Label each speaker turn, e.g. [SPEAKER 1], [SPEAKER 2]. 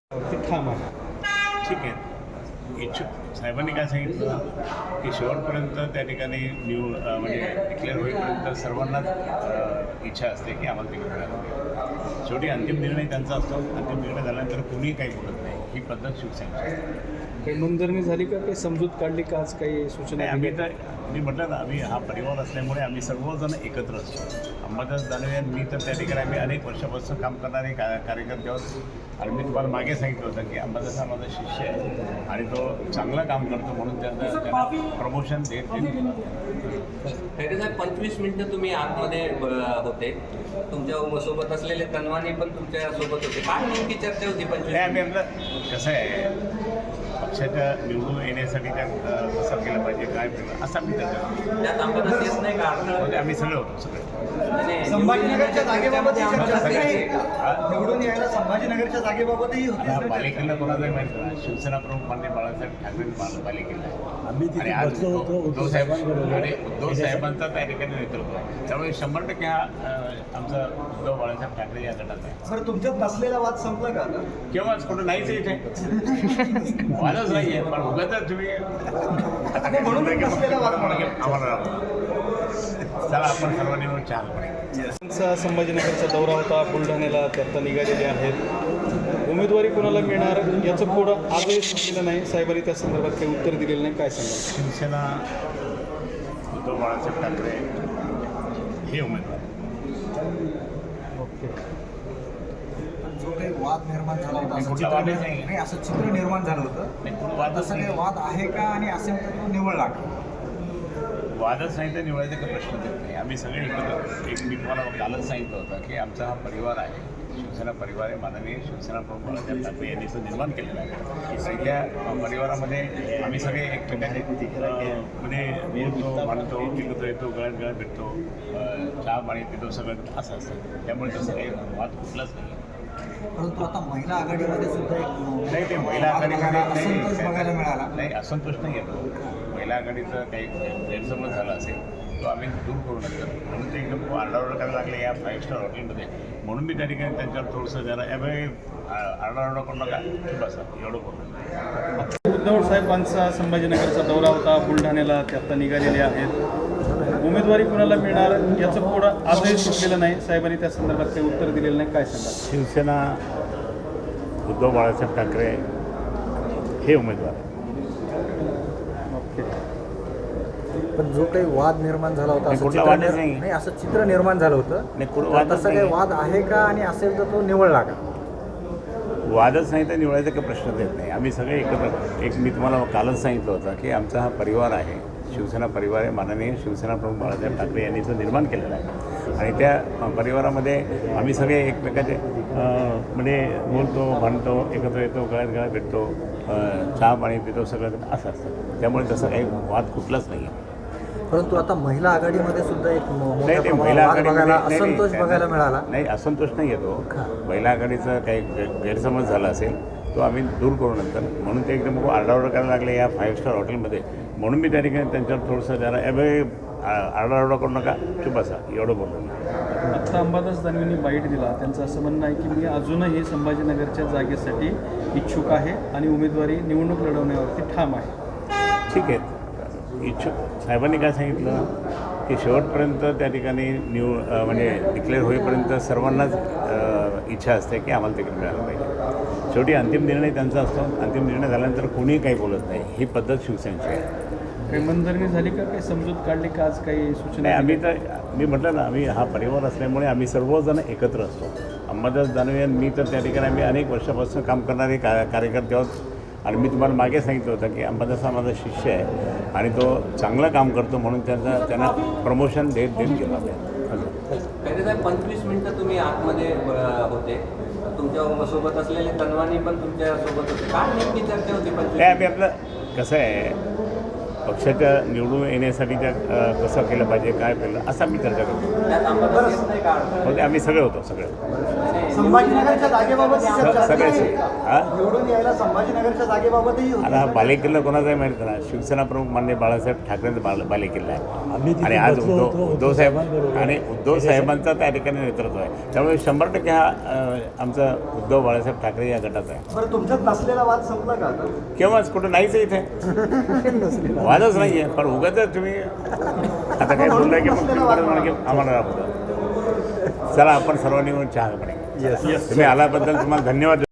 [SPEAKER 1] ते ठाम आहे.
[SPEAKER 2] ठीक आहे. इच्छुक साहेबांनी काय सांगितलं की शेवटपर्यंत त्या ठिकाणी म्हणजे डिक्लेअर होईपर्यंत सर्वांनाच इच्छा असते की आम्हाला तिकीट मिळालं. शेवटी अंतिम निर्णय त्यांचा असतो. अंतिम निर्णय झाल्यानंतर कोणीही काही बोलत नाही. ही पद्धत शिवसेनेची असते.
[SPEAKER 1] काही नोंदणी झाली का, काही समजूत काढली का, आज काही सूचना?
[SPEAKER 2] नाही, आम्ही तर मी म्हटलं ना, आम्ही हा परिवार असल्यामुळे आम्ही सर्वजण एकत्र असतो. अंबादास दानवे आणि मी तर त्या ठिकाणी आम्ही अनेक वर्षापासून काम करणारे कार्यकर्ते आहोत. आणि मी तुम्हाला मागे सांगितलं होतं की अंबादास हा माझा शिष्य आहे आणि तो चांगलं काम करतो म्हणून त्यांना प्रमोशन देत
[SPEAKER 3] खैरे साहेब, 25 मिनिटं तुम्ही आतमध्ये होते. तुमच्या सोबत असलेले तनवानी पण तुमच्या सोबत होते. काय नेमकी चर्चा होती 25?
[SPEAKER 2] आम्ही आपलं कसं आहे, पक्षाच्या निवडून येण्यासाठी त्या कसं केलं पाहिजे, काय केलं असं आम्ही
[SPEAKER 3] त्यात अंबादास येत नाही का?
[SPEAKER 2] म्हणजे आम्ही सगळे होतो सगळे.
[SPEAKER 4] संभाजीनगरच्या जागेबाबत निवडून यायला संभाजीनगरच्या जागेबाबतही
[SPEAKER 2] आता
[SPEAKER 4] होती.
[SPEAKER 2] पालिकेला कोणालाही माहिती नाही. शिवसेना प्रमुख माननीय बाळासाहेब ठाकरे पालिकेला
[SPEAKER 5] आम्ही
[SPEAKER 2] आणि
[SPEAKER 5] तिथे
[SPEAKER 2] आज
[SPEAKER 5] बसलो होतो
[SPEAKER 2] उद्धव
[SPEAKER 5] साहेबांबरोबर.
[SPEAKER 2] आणि उद्धव साहेबांचा त्या ठिकाणी नेतृत्व आहे. त्यामुळे 100% हा आमचा उद्धव बाळासाहेब ठाकरे या गटात आहे.
[SPEAKER 4] सर, तुमच्यात बसलेला वाद संपला का आता?
[SPEAKER 2] केव्हाच कुठं नाहीच इथे वादच नाही आहे. पण उगाच तुम्ही
[SPEAKER 4] म्हणून बसलेला वाद
[SPEAKER 2] आम्हाला चला आपण सर्वांनी मिळून चहा करूया.
[SPEAKER 1] त्यांचा संभाजीनगरचा दौरा होता, बुलढाण्याला ते आता निघालेले आहेत. उमेदवारी कोणाला मिळणार याचं पुढं आजही सुटलेलं नाही. साहेबांनी त्या संदर्भात काही उत्तर दिलेलं नाही. काय सांगाल?
[SPEAKER 2] शिवसेना उद्धव बाळासाहेब ठाकरे हे उमेदवार.
[SPEAKER 1] ओके.
[SPEAKER 4] जो काही वाद निर्माण झाला होता,
[SPEAKER 2] नाही,
[SPEAKER 4] असं
[SPEAKER 2] कुठला
[SPEAKER 4] चित्र
[SPEAKER 2] वादच नाही.
[SPEAKER 4] नाही, असं चित्र निर्माण झालं होतं.
[SPEAKER 2] नाही, कुठं वादच
[SPEAKER 4] तसं काही
[SPEAKER 2] नाही.
[SPEAKER 4] वाद आहे का, आणि असेल तर तो निवडला का?
[SPEAKER 2] वादच नाही तर निवडायचा काही प्रश्न येत नाही. आम्ही सगळे एकत्र. एक मी तुम्हाला कालच सांगितलं होतं की आमचा हा परिवार आहे, शिवसेना परिवार आहे. माननीय शिवसेना प्रमुख बाळासाहेब ठाकरे यांनी तो निर्माण केलेला आहे. आणि त्या परिवारामध्ये आम्ही सगळे एकमेकांचे म्हणजे बोलतो, मानतो, टिकतो, येतो, गळ्यात भेटतो, चहा पाणी पितो, सगळं असं असतं. त्यामुळे तसं काही वाद कुठलाच नाही.
[SPEAKER 4] परंतु आता महिला आघाडीमध्ये सुद्धा एक
[SPEAKER 2] नाही, ते महिला
[SPEAKER 4] वाद बघायला, असंतोष
[SPEAKER 2] आघाडीमध्ये
[SPEAKER 4] बघायला मिळाला.
[SPEAKER 2] नाही, असंतोष नाही येतो. महिला आघाडीचं काही गैरसमज झाला असेल तो आम्ही दूर करू नंतर. म्हणून ते एकदम आरडाओरडा करायला लागले या 5 स्टार हॉटेलमध्ये. म्हणून मी त्या ठिकाणी त्यांच्यावर थोडंसं जरा आरडाओरडा करू नका, बसा एवढं करू.
[SPEAKER 1] उद्धव साहेबांचा संभाजीनगरचा दौरा होता, बुलढाण्याला ते आता निघालेले आहेत. उमेदवारी कोणाला मिळणार याचं पुढं आजही सुटलेलं नाही. साहेबांनी त्या संदर्भात काही उत्तर दिलेलं नाही. काय सांगाल?
[SPEAKER 2] शिवसेना उद्धव बाळासाहेब ठाकरे हे उमेदवार.
[SPEAKER 1] ओके.
[SPEAKER 4] पण जो काही वाद निर्माण झाला होता,
[SPEAKER 2] नाही,
[SPEAKER 4] असं
[SPEAKER 2] कुठला
[SPEAKER 4] चित्र
[SPEAKER 2] वादच नाही.
[SPEAKER 4] नाही, असं चित्र निर्माण झालं होतं.
[SPEAKER 2] नाही, कुठं
[SPEAKER 4] तर
[SPEAKER 2] वादच
[SPEAKER 4] तसं काही
[SPEAKER 2] नाही.
[SPEAKER 4] वाद आहे का, आणि असेल तर तो निवडला का?
[SPEAKER 2] वादच नाही तर निवडायचा काही प्रश्नच येत नाही. आम्ही सगळे एकत्र. एक मी तुम्हाला कालच सांगितलं होतं की आमचा हा परिवार आहे, शिवसेना परिवार आहे. माननीय शिवसेना प्रमुख बाळासाहेब ठाकरे यांनी तो निर्माण केलेला आहे. आणि त्या परिवारामध्ये आम्ही सगळे एकमेकाचे म्हणजे बोलतो, भांडतो, एकत्र येतो, गळ्यात भेटतो, चहा पाणी पितो, सगळं असं असतं. त्यामुळे तसं काही वाद कुठलाच नाही आहे.
[SPEAKER 4] परंतु आता महिला आघाडीमध्ये सुद्धा एक मोठ्या
[SPEAKER 2] नाही, ते
[SPEAKER 4] प्रमाणात
[SPEAKER 2] महिला
[SPEAKER 4] वाद बघायला,
[SPEAKER 2] आघाडीमध्ये
[SPEAKER 4] असंतोष बघायला मिळाला.
[SPEAKER 2] नाही, असंतोष नाही येतो. महिला आघाडीचा काही गैरसमज झाला असेल तो आम्ही दूर करू नंतर. म्हणून ते एकदम आरडाओरडा करायला लागले या 5 स्टार हॉटेलमध्ये. म्हणून मी त्या ठिकाणी त्यांच्यावर थोडंसं जरा आरडाओरडा करू नका, चुप बसा एवढं बोललो.
[SPEAKER 1] आत्ता अंबादास दानवेंनी बाईट दिला. त्यांचं असं म्हणणं आहे की मी अजूनही संभाजीनगरच्या जागेसाठी इच्छुक आहे आणि उमेदवारी निवडणूक लढवण्यावरती ठाम आहे.
[SPEAKER 2] ठीक आहे. इच्छुक साहेबांनी काय सांगितलं की शेवटपर्यंत त्या ठिकाणी म्हणजे डिक्लेअर होईपर्यंत सर्वांनाच इच्छा असते की आम्हाला तिकीट मिळालं पाहिजे. शेवटी अंतिम निर्णय त्यांचा असतो. अंतिम निर्णय झाल्यानंतर कोणीही काही बोलत नाही. ही पद्धत शिवसेनेची आहे.
[SPEAKER 1] काही मनधरणी झाली का, काही समजूत काढली का, आज काही सूचना?
[SPEAKER 2] नाही, आम्ही तर मी म्हटलं ना, आम्ही हा परिवार असल्यामुळे आम्ही सर्वजण एकत्र असतो. अंबादास दानवे आणि मी तर त्या ठिकाणी आम्ही अनेक वर्षापासून काम करणारे कार्यकर्ते आहोत. आणि मी तुम्हाला मागे सांगितलं होतं की अंबादास हा माझा शिष्य आहे आणि तो चांगलं काम करतो म्हणून त्यांना प्रमोशन देत गेला.
[SPEAKER 3] खैरे साहेब, 25 मिनिटं तुम्ही आतमध्ये होते. तुमच्या सोबत असलेले तनवानी पण तुमच्या सोबत होते. काय नेमकी चर्चा होती 25?
[SPEAKER 2] नाही, आम्ही आपलं कसं आहे, पक्षाच्या निवडून येण्यासाठी त्या कसं केलं पाहिजे, काय केलं असं आम्ही चर्चा करतो.
[SPEAKER 3] त्यात अंबादास येत नाही का?
[SPEAKER 2] म्हणजे आम्ही सगळे होतो सगळे.
[SPEAKER 5] संभाजीनगरच्या जागेबाबत चर्चा
[SPEAKER 2] सगळेच हां
[SPEAKER 5] निवडून यायला संभाजीनगरच्या जागेबाबतही होती.
[SPEAKER 2] आता हा बालेकिल्ला कोणाचा आहे माहिती ना, शिवसेना प्रमुख माननीय बाळासाहेब ठाकरेंचा बालेकिल्ला आहे. आणि आज उद्धव साहेबांचा त्या ठिकाणी नेतृत्व आहे. त्यामुळे 100% हा आमचा उद्धव बाळासाहेब ठाकरे या गटाचा आहे.
[SPEAKER 5] बरं, तुमच्यात नसलेला वाद संपला का आता?
[SPEAKER 2] केव्हाच कुठं नाहीच आहे इथे वादच नाही आहे. पण उगाच तुम्ही आता काय बोललाय की मग तुम्ही परत म्हणा की आम्हाला राबवतो. चला आपण सर्वांनी मिळून चहा पाणी. तुम्ही आल्याबद्दल तुम्हाला धन्यवाद.